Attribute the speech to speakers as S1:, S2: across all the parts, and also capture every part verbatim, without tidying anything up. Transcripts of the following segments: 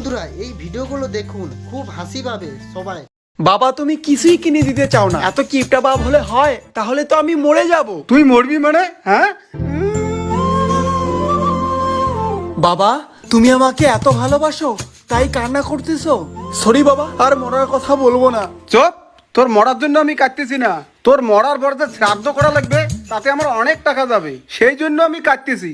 S1: বন্ধুরা এই ভিডিওগুলো দেখুন, খুব হাসি পাবে সবাই।
S2: বাবা তুমি কিছুই কিনে দিতে চাও না, এত কিপটা বাপ হলে হয়? তাহলে তো আমি মরে যাব।
S3: তুই মরবি মানে? হ্যাঁ
S2: বাবা তুমি আমাকে এত ভালোবাসো তাই কান্না করতেছো? সরি বাবা, আর মরার কথা বলবো না।
S3: চুপ, তোর মরার জন্য আমি কাটতেছি না, তোর মরার পর যে শ্রাদ্ধ করা লাগবে তাতে আমার অনেক টাকা যাবে, সেই জন্য আমি কাটতেছি।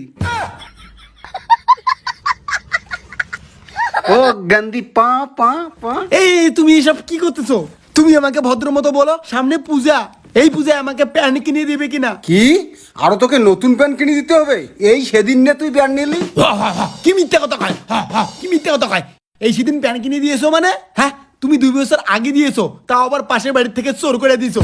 S3: ও গান্ধী পা পা পা।
S2: এই তুমি এসব কি করতেছো? তুমি আমাকে ভদ্র মতো বলো, সামনে পূজা, এই পূজায় আমাকে প্যান্ট কিনে দিবে কিনা?
S3: কি আরো তোকে নতুন প্যান্ট কিনে দিতে হবে? এই সেদিন নে তুই প্যান্ট নিলি।
S2: কি মিথ্যা কথা কয়, কি মিথ্যা কথা কয়? এই সেদিন প্যান্ট কিনে দিয়েছো মানে? হ্যাঁ তুমি দুই বছর আগে দিয়েছো, তাও আবার পাশের বাড়ি থেকে চোর করে দিয়েছো।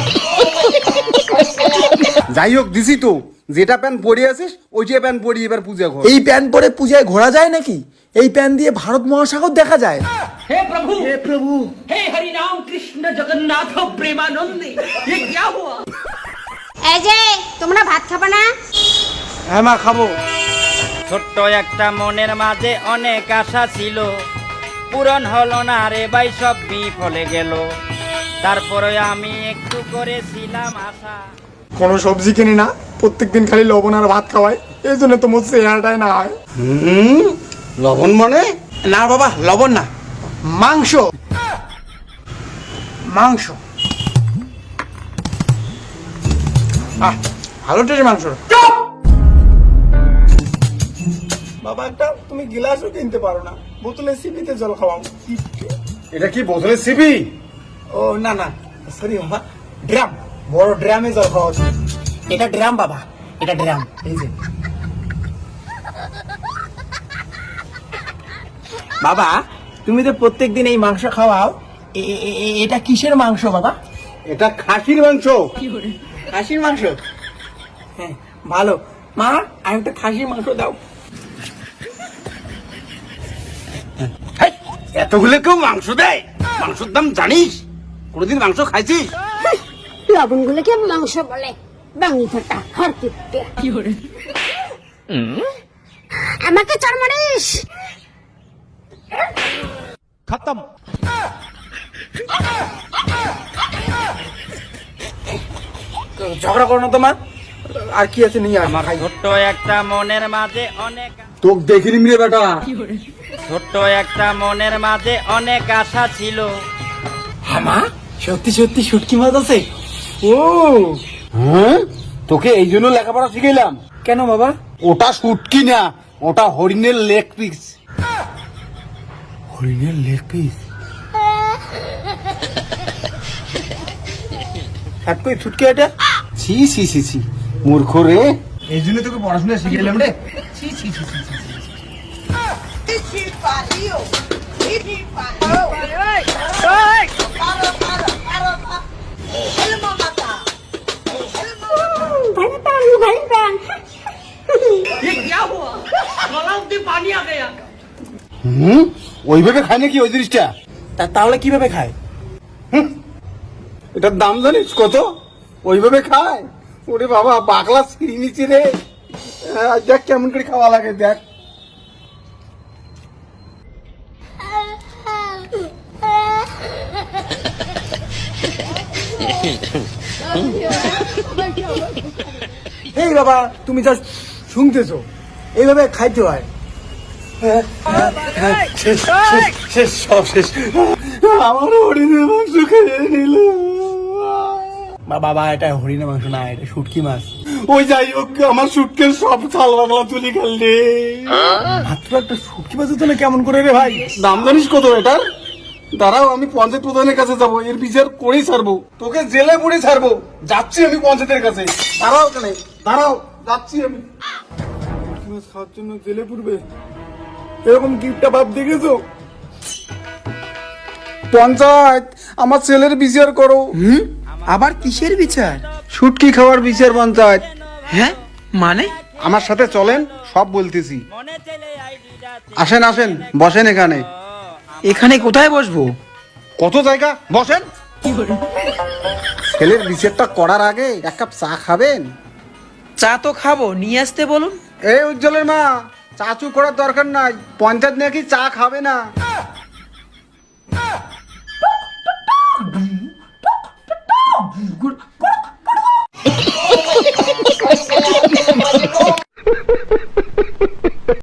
S3: যাই হোক দিছি তো, যেটা প্যান্ট পরে আছিস ওইটা প্যান্ট পরি এবার পূজা ঘর।
S2: এই প্যান্ট পরে পূজায় ঘোরা যায় নাকি? এই প্যান্ট দিয়ে ভারত মহাসাগর দেখা যায়।
S4: हे प्रभु
S2: হে প্রভু,
S4: हे हरि राम कृष्ण जगन्नाथ प्रेमानंद ये क्या हुआ?
S5: এই যে তোমরা ভাত খাবে না?
S3: হ্যাঁ মা খাবো।
S6: ছোট্ট একটা মনের মাঝে অনেক আশা ছিল, পূরণ হলো না রে ভাই, সব বিফলে গেল। তারপরে আমি একটু করেছিলাম আশা।
S2: কোনো সবজি কিনি না, প্রত্যেকদিন খালি লবণ আর ভাত খাওয়ায়, এই জন্য তো মোট চেহারাটাই না হয়।
S3: হুম লবণ মানে?
S2: না বাবা লবণ না, মাংস, মাংস। আহ ভালো টেস্ট মাংস। বাবা একটা তুমি গিলাসও কিনতে পারো না, বোতলে সিপিতে জল খাওয়াও।
S3: এটা কি বোতলের সিপি?
S2: ও না না সরি বাবা, ড্রাম, বড় ড্রামে জল খাওয়া। এটা ড্রাম বাবা, এটা ড্রাম। এই যে বাবা তুমি তো প্রত্যেকদিন এই মাংস খাওয়াও, এ- এ- এ- এটা কিসের মাংস বাবা?
S3: এটা খাসির মাংস।
S2: খাসির মাংস? হ্যাঁ ভালো। মা আমি একটা খাসির মাংস দাও।
S3: এতগুলো কেউ মাংস দেয়? মাংসের দাম জানিস? কোনোদিন মাংস খাইছিস?
S5: লবণগুলোকে মাংস বলে, বাঙি ফাটা হার কিপটে। আমাকে চর মারিস?
S2: খতম। ঝগড়া করো না তোমার, আর কি আছে নিয়ে
S6: আমার ছোট্ট একটা মনের মাঝে অনেক
S3: তোক দেখিনি রে বেটা।
S6: ছোট্ট একটা মনের মাঝে অনেক আশা ছিল।
S2: হ্যাঁ মা, সত্যি সত্যি শুটকি মাছ আছে? ও
S3: হ্যাঁ তোকে এই জন্য লেখাপড়া শিখাইলাম।
S2: কেন বাবা?
S3: ওটা শুটকি না, ওটা হরিণের লেগ পিস।
S2: হরিণের লেগ পিস? কই ছুটকি এটা?
S3: ছি ছি ছি ছি মূর্খ রে, এই জন্য তোকে পড়াশোনা শিখাইলাম রে। ছি ছি ছি ছি ছি।
S5: ভাই পান ভাই পান।
S4: ये क्या हुआ? गला में पानी आ गया।
S3: হুম ওইভাবে খায় নাকি ওই জিনিসটা?
S2: তা তাহলে কিভাবে খায়?
S3: এটার দাম জানিস কত? ওইভাবে খায়? ওরে বাবা পাগলা ছিঁড়ি নিচে রে। আহ, দেখ কেমন করে খাওয়া লাগে দেখ।
S2: এই বাবা তুমি জাস্ট শুনতেছো, এইভাবে খাইতে হয়।
S3: শেষ শেষ শেষ সব শেষ। আমার হরিণের মাংস খেয়ে নিল।
S2: বা বাবা এটা হরিণের মাংস না, এটা শুটকি মাছ।
S3: ওই যাই হোক আমার সুটকে সব ছাল বাগলা তুলি খেললে।
S2: মাত্র একটা শুটকি মাছ হতো না, কেমন করে রে ভাই?
S3: দাম জানিস কত এটার? দাঁড়াও আমি পঞ্চায়েত প্রধানের কাছে যাবো, এর বিচার করেই ছাড়বো, তোকে জেলে পুড়ে ছাড়বো। যাচ্ছি আমি পঞ্চায়েতের কাছে। দাঁড়াও কেন, দাঁড়াও যাচ্ছি আমি।
S2: শুটকি মাছ খাওয়ার জন্য জেলে পুরবে? এরকম গিফটটা বাপ দেখেছো?
S3: পঞ্চায়েত আমার ছেলের বিচার করো।
S2: হুম আবার কিসের বিচার?
S3: শুটকি খাওয়ার বিচার পঞ্চায়েত।
S2: হ্যাঁ মানে?
S3: আমার সাথে চলেন, সব বলতেছি।
S6: মনে চলে আইডিটা
S3: আসেন আসেন বসেন এখানে।
S2: এখানে কোথায় বসবো?
S3: কত জায়গা, বসেন। ছেলের বিচারটা করার আগে এক কাপ চা খাবেন?
S7: চা তো খাবো, নিয়ে আসতে বলুন।
S3: এই উজ্জ্বলের মা, চাচু করার দরকার নাই, পঞ্চায়েত নাকি চা খাবে না।